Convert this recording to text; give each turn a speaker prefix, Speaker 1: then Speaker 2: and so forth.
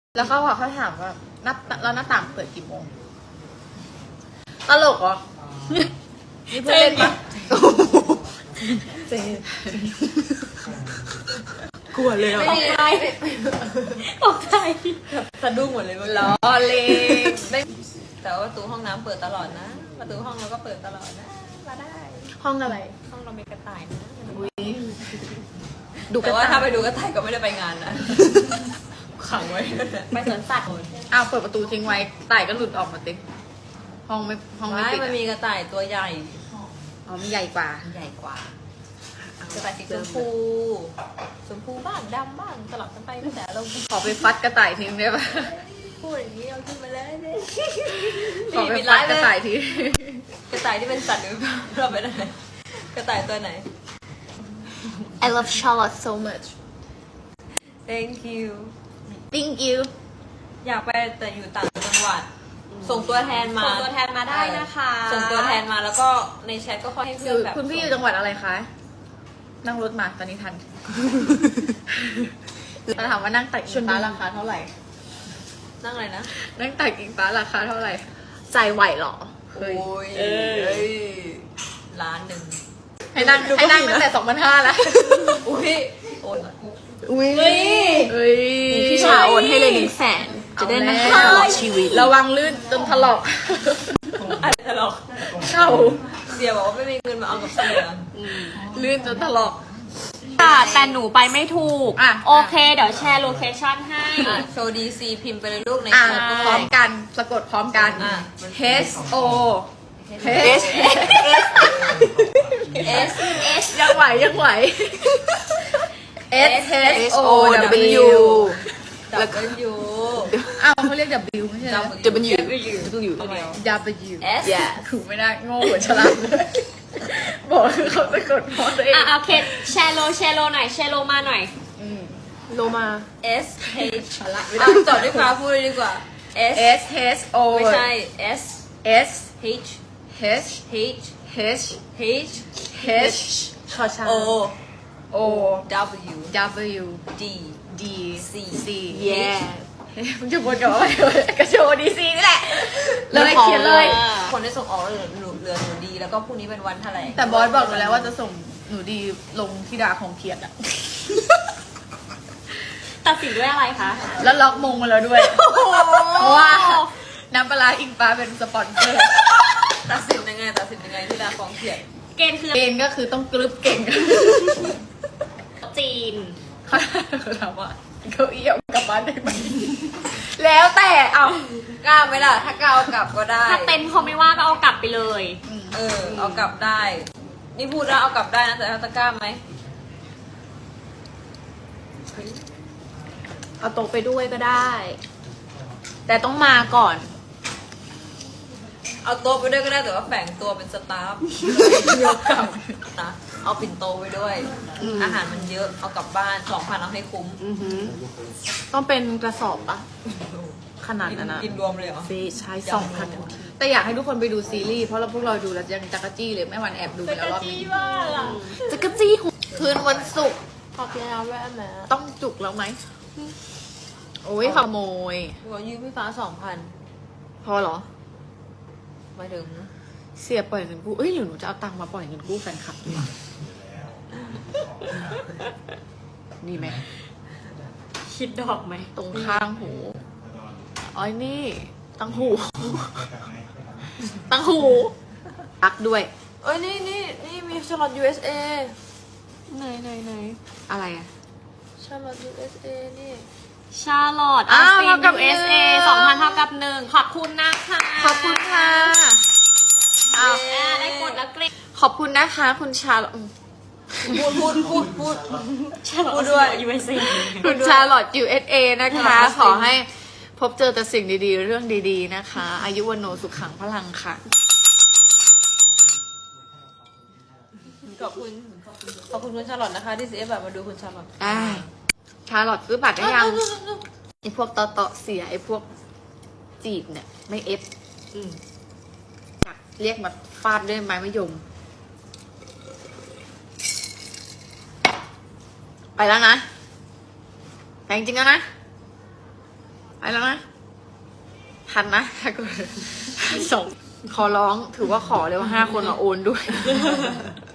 Speaker 1: แล้วเขาบอกเขาถามว่าแล้วหน้าต่างเปิดกี่โมงตลกเหรอนี่เพื่อนเล่นปะเจกลัวเลยอ่ะ
Speaker 2: ตกใจตกใจ
Speaker 1: สะดุ้งหมดเลย
Speaker 2: ล้อเล่นแต่ว่าประตูห้องน้ำเปิดตลอดนะ ประตูห้องเราก็เปิดตลอดนะมาได้
Speaker 1: ห้องอะไร
Speaker 2: ห้องเรามีกระต่ายนะ
Speaker 1: อุ้ย
Speaker 2: แต่ว่าถ้าไปดูกระต่ายก็ไม่ได้ไปงานนะ
Speaker 1: ขังไว้
Speaker 2: ไปสวนสัตว์
Speaker 1: อ้าวเปิดประตูทิ้งไว้ไต่ก็หลุดออกมาติห้องไม่
Speaker 2: ไม่
Speaker 1: ปิด
Speaker 2: มันมีกระต่ายตัวใหญ่
Speaker 1: อ๋อมีใหญ่กว่า
Speaker 2: ใหญ่กว่ากระต่ายสีชมพูบ้างดำบ้างสลับกันไปแต่เรา
Speaker 1: ขอไปฟัดกระต่ายทิ้งได้ปะ
Speaker 2: พูดอย่างนี้เราขึ้นมาเลยเนี่ย
Speaker 1: ขอไปฟัดกระต่ายทิ้ง
Speaker 2: กระต่ายที่เป็นสัตว์หรือเปล่าเราเป็นอะไรกระต่ายตัวไหน
Speaker 1: I love Charlotte so much
Speaker 2: Thank you
Speaker 1: Thank you
Speaker 2: อยากไปแต่อยู่ต่างจังหวัด ส่งตัวแทนมา
Speaker 3: ส่งตัวแทนมาได้นะคะ
Speaker 2: ส่งตัวแทนมาแล้วก็ในแชทก็ค่อยให้
Speaker 1: อ
Speaker 2: เพื่อยู่ นแบบ
Speaker 1: คุณพี่อยู่จังหวัดอะไรคะ นั่งรถมาตอนนี้ทันมาถามว่านั่งตักอิงฟ้าราคาเท่าไหร่
Speaker 2: นั่งอะไรนะ
Speaker 1: นั่งตักอิงฟ้าราคาเท่าไหร่ ใจไหวเหรอ
Speaker 2: โอ้ย
Speaker 1: เอ้ย
Speaker 2: ล้านหนึ่ง
Speaker 1: ให้นั่งตั้งแต่2,500แล้ว
Speaker 2: อุ้ยโอน
Speaker 1: อุ้ย
Speaker 2: เฮ้ย
Speaker 3: พี่ชาโอนให้เลย100,000จะได้นั่งไปตลอดชีวิต
Speaker 1: ระวังลื่นจนถลอก
Speaker 2: อะไรตลก
Speaker 1: เข้า
Speaker 2: เสียบอกว่าไม่มีเงินมาเอากับเสีย
Speaker 1: ลื่นจนถลอก
Speaker 3: ค่ะแต่หนูไปไม่ถูก
Speaker 1: อ่ะ
Speaker 3: โอเค เดี๋ยวแชร์โลเคชั่นให้
Speaker 2: โชว์ดีซีพิมพ์ไปเลยลูกใน
Speaker 1: อ่ะ
Speaker 2: แชท
Speaker 1: พร้อมกันสะกดพร้อมกัน
Speaker 2: อ่ะ
Speaker 1: H O H
Speaker 2: S
Speaker 1: ยังไหวยังไหว S H O W
Speaker 2: แล้วก็ยู
Speaker 1: อ้าวเขาเรียก W ไม่ใช่เหรอ
Speaker 2: W
Speaker 1: W
Speaker 2: เอส
Speaker 1: ถูกไม่ได้โง่หัวฉลาดเลยบอกคือเขาสะกดพร้อมตัวเอง
Speaker 3: อ่ะโอเคแชร์โลหน่อยแชร์โลมาหน่อย
Speaker 1: โลมา
Speaker 2: S H จอดด้วยฟ้าพูดเลยดีกว่า S
Speaker 1: S H O
Speaker 2: ไม่ใช่ S
Speaker 1: S
Speaker 2: H
Speaker 1: H
Speaker 2: H
Speaker 1: H
Speaker 2: H
Speaker 1: H ชอช้าง
Speaker 2: O
Speaker 1: O
Speaker 2: W
Speaker 1: W
Speaker 2: D
Speaker 1: D
Speaker 2: C
Speaker 1: C
Speaker 3: Yeah
Speaker 1: มึงจะวนกับอะไรกระโชว์ดีซีนี่แหละเลยเขียนเลย
Speaker 2: คนได้ส่งออกเหลือหนูดี แล้วก็พรุ่งนี้เป็นวันแถลง
Speaker 1: แต่บอสบอกหนูแล้วว่าจะส่งหนูดีลงที่ดาของเขียนอะ
Speaker 3: ตัดสินด้วยอะไรคะ
Speaker 1: แล้วล็อกมงมาแล้วด้วย เพราะว่าน้ำปลาร้าอิงฟ้าเป็นสปอนเซอร์
Speaker 2: ตัดสินยังไงที่ดาฟองเขียน
Speaker 3: เกณฑ์คือ
Speaker 1: เกณฑ์ก็คือต้องกรึบเก่ง
Speaker 3: จีน
Speaker 1: เขาถามว่าเก้าอี้เอากลับบ้านได้ไหมแล้วแต่เอา
Speaker 2: กล้าไหมล่ะ ถ้ากล้าเอากลับก็ได้
Speaker 3: ถ้าเต็นท์เขาไม่ว่าก็เอากลับไปเลย
Speaker 2: เอากลับได้ นี่พูดแล้วเอากลับได้นะแต่ถ้าตะกล้าไหม
Speaker 3: เอาโต๊ะไปด้วยก็ได้ แต่ต้องมาก่อน
Speaker 2: เอาโต๊ะไปด้วยก็ได้แต่ว่าแฝงตัวเป็นสตาฟ
Speaker 1: เดียวกลับ
Speaker 2: นะเอาปิ่นโตไปด้วย อาหารมันเยอะเอากลับบ้าน 2,000เอาให้คุ้ม
Speaker 3: ต้องเป็นกระสอบปะขนาดนั้นนะ
Speaker 2: กินรวมเลยเหรอ
Speaker 3: เฟใช้ 2,000
Speaker 1: แต่อยากให้ทุกคนไปดูซีรีส์เพราะเราพวกเราดูแล้วยังจักรจี้เลยแม่วันแอบดูไปแล้วรอบนึง
Speaker 3: จะกระจี้หัว
Speaker 1: คืนวันศุกร์
Speaker 3: ขอบแล้วแม่แม่
Speaker 1: ต้องจุกแล้วไหมโอ้ยขโมย
Speaker 2: หัวยืมพี่ฟ้า 2,000
Speaker 1: พอเหรอ
Speaker 2: หมายถึง
Speaker 1: เสียปล่อยเงินกู้เอ้ยหรือหนูจะเอาตังค์มาปล่อยเงินกู้แฟนคลับดีดีไหม
Speaker 3: คิดดอกไหม
Speaker 1: ตรงข้างหูอ๋อนี่ตั้งหู ตั้งหูปักด้วย
Speaker 2: เอ้ยนี่มีชลอต USA
Speaker 3: ไหน
Speaker 1: อะไรอะ
Speaker 2: ชลอต USA นี่
Speaker 3: ชาร์ลอต
Speaker 1: อ้าว
Speaker 3: สติน
Speaker 1: เท่ากับ
Speaker 3: USA
Speaker 1: 1
Speaker 3: 2,000 เท่ากับ 1 ขอบคุณนะคะ
Speaker 1: ขอบคุณค่ะอ้าว
Speaker 3: ได้กดแล้วเกรด
Speaker 1: ขอบคุณนะคะ คุณชาลอต
Speaker 2: พูด
Speaker 3: ชาร์ลอ
Speaker 2: พู
Speaker 3: ต
Speaker 2: ดด้วย
Speaker 3: USA
Speaker 1: คุณชาลอต USA นะคะ ขอให้พบเจอแต่สิ่งดีๆ เรื่องดีๆนะคะ อายุวันโนสุขังพลังค่ะ
Speaker 2: ขอบคุณคุณชาลอตนะคะที่เสียแบบมาดูคุณชาลอต
Speaker 1: ได้ชาลอตซื้อบัตรได้ยัง ไอพวกตอเสียไอพวกจีบเนี่ย ไม่เอฟอยากเรียกมาฟาดด้วยไม้มะยม ไปแล้วนะแต่จริงๆแล้วนะไปแล้วนะ ทันนะถ้าเกิดส่งขอร้องถือว่าขอเลยว่า5 คนมาโอนด้วย